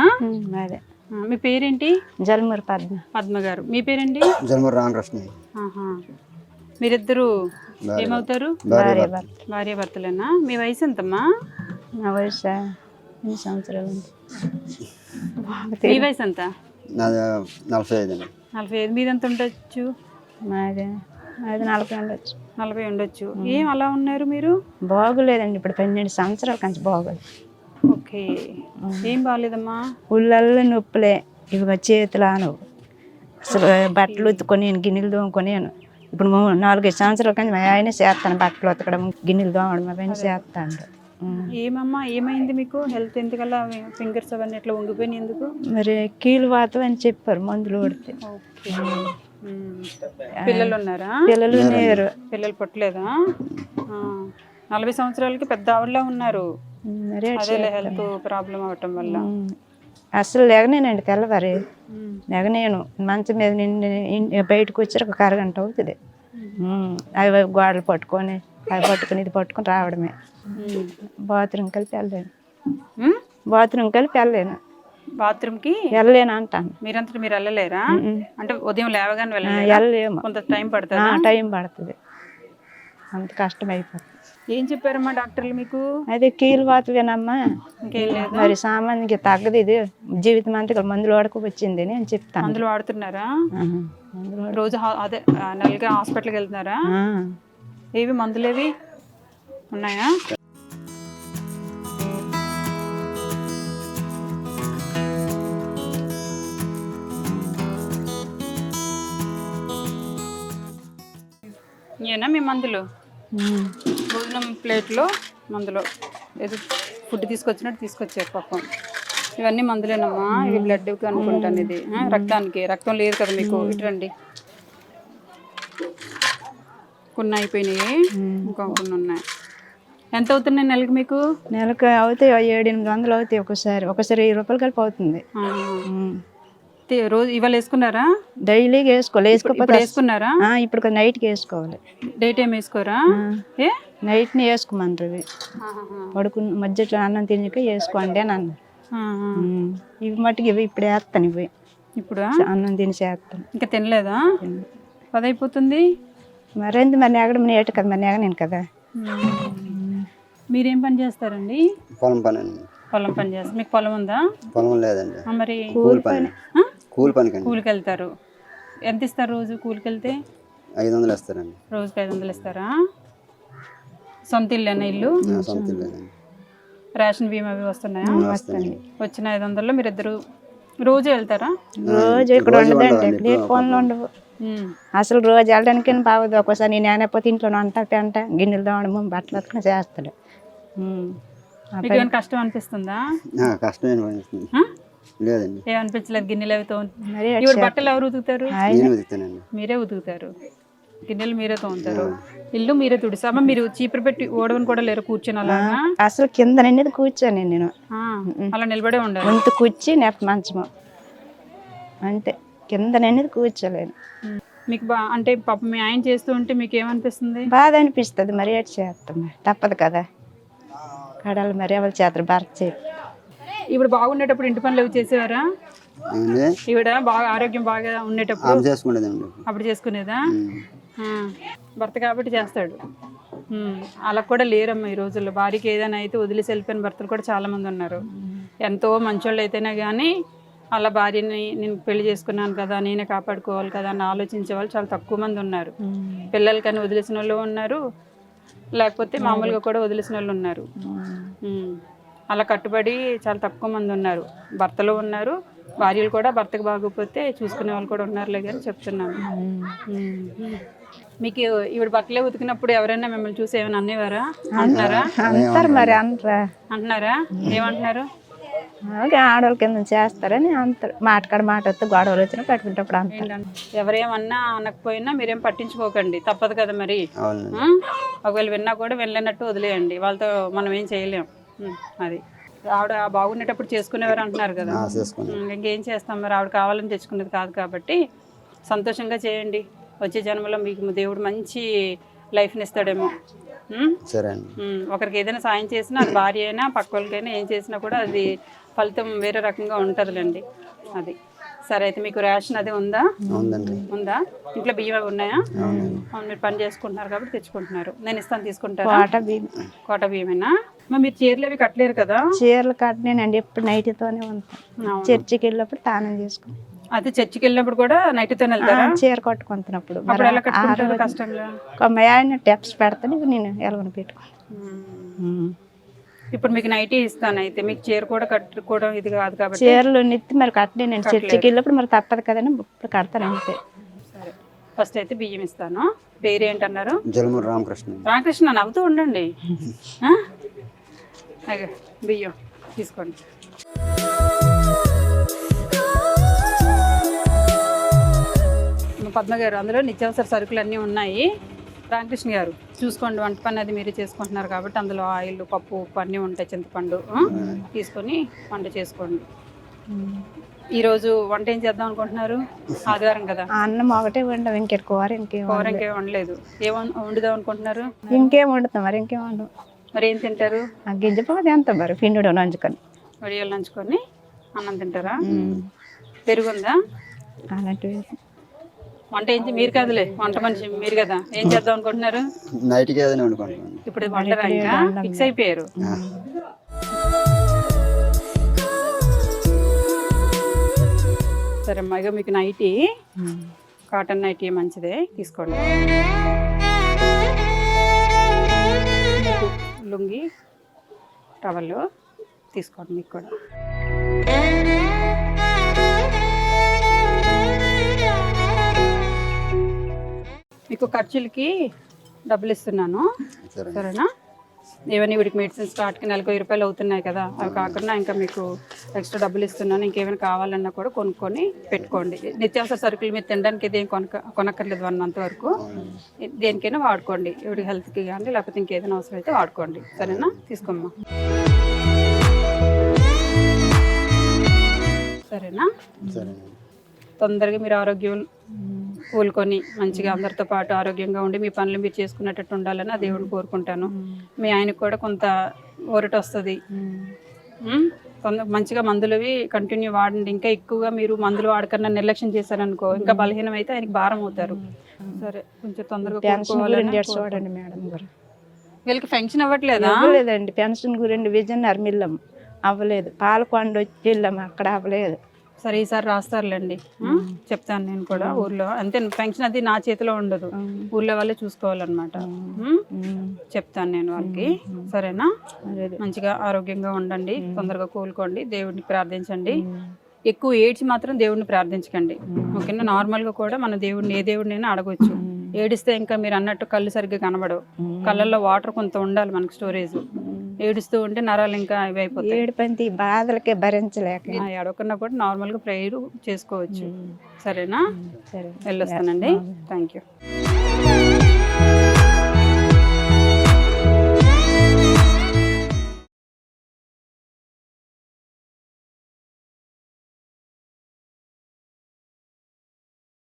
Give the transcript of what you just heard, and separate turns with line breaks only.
మీదేనా?
మాదే.
మీ పేరేంటి?
జలమూరు పద్మ.
పద్మ గారు. మీ పేరేంటి?
జలమూరు రామకృష్ణ.
మీరిద్దరు ఏమవుతారు?
భార్య భర్త.
భార్య భర్తలేనా? మీ వయసు ఎంతమ్మా?
నా వయసు 8 సంవత్సరాలు.
మీ వయసు ఎంత?
45 అండి.
45. మీదెంత ఉండొచ్చు?
మాది 40 ఉండొచ్చు.
40 ఉండొచ్చు. ఏం అలా ఉన్నారు మీరు?
బాగోలేదండి, ఇప్పుడు 12 సంవత్సరాల కంచి బాగోలేదు.
ఓకే. ఏం బాగాలేదమ్మా?
ఉళ్ళల్లో నొప్పులే, ఇవి చేతులు ఆనవు. అసలు బట్టలు ఉతుకొని గిన్నెలు దోముకొనేను. ఇప్పుడు 4-5 సంవత్సరాల కంచి మా ఆయన చేస్తాను, బట్టలు ఉతకడం గిన్నెలు దోమడం అవన్నీ చేస్తాను.
ఏమమ్మా ఏమైంది మీకు? హెల్త్ ఎందుకలా ఫింగర్స్ అవన్నీ ఎట్లా వంగిపోయినాయి ఎందుకు?
మరి కీలు వాతం అని చెప్పారు మందులు కొడితే.
పిల్లలు ఉన్నారా?
పిల్లలు లేరు.
పిల్లలు పుట్టలేదా? 40 సంవత్సరాలకి పెద్ద ఆవిడలా ఉన్నారు. అదే హెల్త్ ప్రాబ్లం అవటం వల్ల.
అసలు లేగనేనండి, తెల్లవారి లేగనేను. మంచం మీద నిండి బయటకు వచ్చి ఒక అరగంట అవుతుంది. అవి గోడలు పట్టుకొని అవి పట్టుకొని ఇది పట్టుకొని రావడమే. బాత్రూమ్ కలిపి వెళ్ళలేను.
బాత్రూమ్కి
వెళ్ళలేను అంటాను.
మీరంతటి మీరు వెళ్ళలేరా? అంటే ఉదయం లేవగానే
వెళ్ళలేము,
కొంత టైం పడుతుంది.
టైం పడుతుంది, అంత కష్టం అయిపోతుంది.
ఏం చెప్పారమ్మా డాక్టర్లు మీకు?
అదే కీలు వాతవేనమ్మా,
ఇంకేం లేదు,
మరి సామాన్యంగా తగ్గదు, ఇది జీవితం అంతా మందులు వాడుకు వచ్చింది అని చెప్తాను.
మందులు వాడుతున్నారా? రోజు అదే నెలగా హాస్పిటల్కి వెళ్తున్నారా? ఏవి మందులు ఏవి ఉన్నాయా? ఏనా మీ మందులు? భోజనం ప్లేట్లో మందులు ఏదో ఫుడ్ తీసుకొచ్చినట్టు తీసుకొచ్చారు పాపం. ఇవన్నీ మందులేనమ్మా. ఇవి బ్లడ్కి అనుకుంటాను. ఇది రక్తానికి. రక్తం లేదు కదా మీకు. ఇటు రండి. కొన్ని అయిపోయినాయి, ఇంకా కొన్ని ఉన్నాయి. ఎంత అవుతున్నాయి నెలకి మీకు?
నెలకు అవుతాయి 700-800 అవుతాయి. ఒకసారి 1000 రూపాయలు కలిపి అవుతుంది.
రోజు ఇవాళ వేసుకున్నారా?
డైలీగా వేసుకోవాలి.
వేసుకున్నారా?
ఇప్పుడు నైట్కి వేసుకోవాలి.
డే టైం వేసుకోరా?
నైట్ని వేసుకోమంటారు. పడుకున్న మధ్యలో అన్నం తినక వేసుకోండి అని అన్నారు. ఇవి మట్టుకు ఇవి ఇప్పుడు వేస్తాను. ఇవి
ఇప్పుడు
అన్నం తిని చేస్తాను.
ఇంకా తినలేదా? 10 అయిపోతుంది.
మరేంది మరి నెగడం నేట కదా, మరి నెగనేను కదా.
మీరేం పని చేస్తారండి?
పొలం పని అండి.
పొలం పని చేస్తారు. మీకు పొలం ఉందా?
పొలం లేదండి.
మరి
కూలి పని.
కూలికి వెళ్తారు. ఎంత ఇస్తారు రోజు కూలికి వెళ్తే?
500 ఇస్తారండి.
రోజుకి 500 ఇస్తారా? సొంత ఇల్లేనా? ఇల్లు
సొంత ఇల్లు.
రేషన్ బీమా అవి వస్తున్నాయా? వచ్చిన 500లో మీరు ఇద్దరు రోజు వెళ్తారా?
రోజు ఇక్కడ ఉండదండి, పనులు ఉండవు అసలు. రోజు వెళ్ళడానికి బాగుంది. ఒక్కోసారి నేను ఏమైపోతే ఇంట్లో అంట గిన్నెలు తోమడము బట్టలు అతను చేస్తాడు.
మీకు ఏమైనా కష్టం అనిపిస్తుందా?
కష్టం అనిపిస్తుంది. లేదండి,
ఏమనిపించలేదు. గిన్నెలు అవి బట్టలు ఎవరు ఉతుకుతారు? మీరే ఉతుకుతారు. గిన్నెలు మీరే తోముతారు. ఇల్లు మీరే తుడిసామా? మీరు చీపురు పెట్టి ఓడవని కూడా లేరు కూర్చొని అలాగా?
అసలు కింద అనేది కూర్చొని నేను
అలా నిలబడే ఉండాలి.
వంతు కూర్చి నెప్ప మంచము అంతే, కింద అనేది కూర్చోలేను.
మీకు అంటే పాప మీ ఆయన చేస్తూ ఉంటే మీకు ఏమనిపిస్తుంది?
బాధ అనిపిస్తుంది. మరి ఏటి చేస్తాం, తప్పదు కదా. కడాలి మరి ఎవరు చేస్తారు, భర్త చేస్తారు.
ఇప్పుడు బాగుండేటప్పుడు ఇంటి పనులు అవి చేసేవారా? ఈవిడ బాగా ఆరోగ్యం బాగా ఉండేటప్పుడు అప్పుడు చేసుకునేదా? భర్త కాబట్టి చేస్తాడు. అలా కూడా లేరమ్మా ఈ రోజుల్లో. భార్యకి ఏదైనా అయితే వదిలేసి వెళ్ళిపోయిన భర్తలు కూడా చాలా మంది ఉన్నారు. ఎంతో మంచోళ్ళు అయితేనే కానీ అలా భార్యని నేను పెళ్లి చేసుకున్నాను కదా, నేనే కాపాడుకోవాలి కదా అని ఆలోచించే వాళ్ళు చాలా తక్కువ మంది ఉన్నారు. పిల్లలకని వదిలేసిన వాళ్ళు ఉన్నారు, లేకపోతే మామూలుగా కూడా వదిలేసిన వాళ్ళు ఉన్నారు. అలా కట్టుబడి చాలా తక్కువ మంది ఉన్నారు. భర్తలు ఉన్నారు, భార్యలు కూడా భర్తకు బాగోకపోతే చూసుకునే వాళ్ళు కూడా ఉన్నారులే కానీ చెప్తున్నాను. మీకు ఈవిడ బట్టలే ఉతికినప్పుడు ఎవరైనా మిమ్మల్ని చూసి ఏమైనా అనేవారా? అంటున్నారా?
అంటారు మరి.
అంటున్నారా? ఏమంటున్నారు?
ఆడవాళ్ళ కింద చేస్తారని అంటారు. మాటకాడ మాట వస్తే గొడవలు వచ్చినా పెట్టుకుంటప్పుడు అంటారు.
ఎవరేమన్నా అనకపోయినా మీరేం పట్టించుకోకండి, తప్పదు కదా మరి. ఒకవేళ విన్నా కూడా వెళ్ళినట్టు వదిలేయండి. వాళ్ళతో మనం ఏం చేయలేం. అది ఆవిడ బాగుండేటప్పుడు చేసుకునేవారు అంటున్నారు కదా, ఇంకేం చేస్తాం మరి. ఆవిడ కావాలని తెచ్చుకునేది కాదు కాబట్టి సంతోషంగా చేయండి. వచ్చే జన్మలో మీకు దేవుడు మంచి లైఫ్ని ఇస్తాడేమో. ఒకరికి ఏదైనా సాయం చేసినా, అది భార్య అయినా పక్క వాళ్ళకైనా ఏం చేసినా కూడా అది ఫలితం వేరే రకంగా ఉంటుందిలేండి. అది సరే. అయితే మీకు రేషన్ అది ఉందా?
ఉందండి.
ఉందా? ఇంట్లో బియ్యం అవి ఉన్నాయా? అవును, మీరు పని చేసుకుంటున్నారు కాబట్టి తెచ్చుకుంటున్నారు. నేను ఇస్తాను, తీసుకుంటారా? కోట బియ్యమేనా? మరి మీరు చీరలు అవి కట్టలేరు కదా?
చీరలు కట్టినానండి, ఎప్పుడు నైట్తోనే ఉంటాను. చర్చికి వెళ్ళినప్పుడు తానం చేసుకుని,
అయితే చర్చికి వెళ్ళినప్పుడు కూడా నైట్తో వెళ్తారా?
చీర కట్టుకుంటున్నప్పుడు
అప్పుడు ఎలా కట్టుకుంటారు కష్టంగా?
ఆయన టెప్స్ పెడతాను, నేను ఎలవని పెట్టుకుని.
ఇప్పుడు మీకు నైటీ ఇస్తాను, అయితే మీకు చీర కూడా కట్టుకోవడం ఇది కాదు కాబట్టి.
చీరలు నెత్తి మరి కట్టలే, నేను చర్చికి వెళ్ళినప్పుడు మరి తప్పదు కదండి, ఇప్పుడు కడతాను అంతే.
సరే, ఫస్ట్ అయితే బియ్యం ఇస్తాను. పేరు ఏంటన్నారు?
జలమూరు రామకృష్ణ.
రామకృష్ణ, నవ్వుతూ ఉండండి. అదే బియ్యం తీసుకోండి. పద్మ గారు, అందులో నిత్యావసర సరుకులు అన్నీ ఉన్నాయి. రామకృష్ణ గారు చూసుకోండి, వంట పని అది మీరే చేసుకుంటున్నారు కాబట్టి అందులో ఆయిల్, పప్పు, ఉప్పు అన్నీ ఉంటాయి. చింతపండు తీసుకొని వంట చేసుకోండి. ఈరోజు వంట ఏం చేద్దాం అనుకుంటున్నారు? ఆదివారం కదా.
అన్నం ఒకటే వండాం, ఇంకేం కూర ఇంకేం
వండలేదు. ఏం వండుదాం అనుకుంటున్నారు?
ఇంకేం వండుతాం మరి, ఇంకేం వండు.
మరి ఏం తింటారు?
గింజపోతే ఎంత మరి, పిండి నంచుకొని
వడియాలు నంచుకొని అన్నం తింటారా? పెరుగుందా?
అలాంటివి.
వంట ఏం మీరు కాదులే, వంట మనిషి మీరు కదా. ఏం చేద్దాం అనుకుంటున్నారు?
నైట్కి ఏదైనా వండుకుంటున్నాను.
ఇప్పుడు వండరా? ఇంకా ఫిక్స్ అయిపోయారు. సరే అమ్మాయిగా, మీకు నైటీ కాటన్ నైటీ మంచిదే, తీసుకోండి. మీకు లుంగి టవల్ తీసుకోండి, మీకు కూడా. మీకు ఖర్చులకి డబ్బులు ఇస్తున్నాను, సరేనా? ఏమైనా వీడికి మెడిసిన్స్ స్టార్ట్కి నెలకు 1000 రూపాయలు అవుతున్నాయి కదా, అవి కాకుండా ఇంకా మీకు ఎక్స్ట్రా డబ్బులు ఇస్తున్నాను. ఇంకేమైనా కావాలన్నా కూడా కొనుక్కొని పెట్టుకోండి. నిత్యావసర సరుకులు మీరు తినడానికి ఇదేం కొనక్కర్లేదు 1 మంత్ వరకు. దేనికైనా వాడుకోండి, ఎవరి హెల్త్కి కానీ లేకపోతే ఇంకేదైనా అవసరం అయితే వాడుకోండి, సరేనా? తీసుకోమ్మా. సరేనా? తొందరగా మీరు ఆరోగ్యం కోలుకొని మంచిగా అందరితో పాటు ఆరోగ్యంగా ఉండి మీ పనులు మీరు చేసుకునేటట్టు ఉండాలని ఆ దేవుడిని కోరుకుంటాను. మీ ఆయనకు కూడా కొంత ఊరట వస్తుంది. మంచిగా మందులవి కంటిన్యూ వాడండి. ఇంకా ఎక్కువగా మీరు మందులు వాడకన్నా నిర్లక్ష్యం చేశారనుకో, ఇంకా బలహీనం అయితే ఆయనకి భారం అవుతారు. సరే, కొంచెం తొందరగా
చూడండి మేడం గారు.
వీళ్ళకి పెన్షన్ అవ్వట్లేదా?
అవ్వలేదండి, పెన్షన్ గురించి విజన్ అర్మిల్లం అవ్వలేదు. పాలకొండ వచ్చి వెళ్ళాము, అక్కడ అవ్వలేదు.
సరే, ఈసారి రాస్తారులేండి, చెప్తాను నేను కూడా. ఊర్లో అంతే, పెన్షన్ అది నా చేతిలో ఉండదు, ఊర్లో వాళ్ళే చూసుకోవాలన్నమాట. చెప్తాను నేను వాళ్ళకి, సరేనా? మంచిగా ఆరోగ్యంగా ఉండండి, తొందరగా కోలుకోండి, దేవుడిని ప్రార్థించండి. ఎక్కువ ఏడ్చి మాత్రం దేవుడిని ప్రార్థించకండి, ఓకేనా? నార్మల్గా కూడా మన దేవుడిని ఏ దేవుడినైనా అడగొచ్చు. ఏడిస్తే ఇంకా మీరు అన్నట్టు కళ్ళు సరిగ్గా కనబడవు, కళ్ళల్లో వాటర్ కొంత ఉండాలి మనకు, స్టోరేజ్. ఏడుస్తూ ఉంటే నరాలు ఇంకా ఇవి అయిపోతాయి.
ఏడుపంతి బాధలకే భరించలేక
ఎడవకుండా కూడా నార్మల్గా ప్రేయర్ చేసుకోవచ్చు, సరేనా? సరే, వెళ్ళొస్తానండి. Thank you.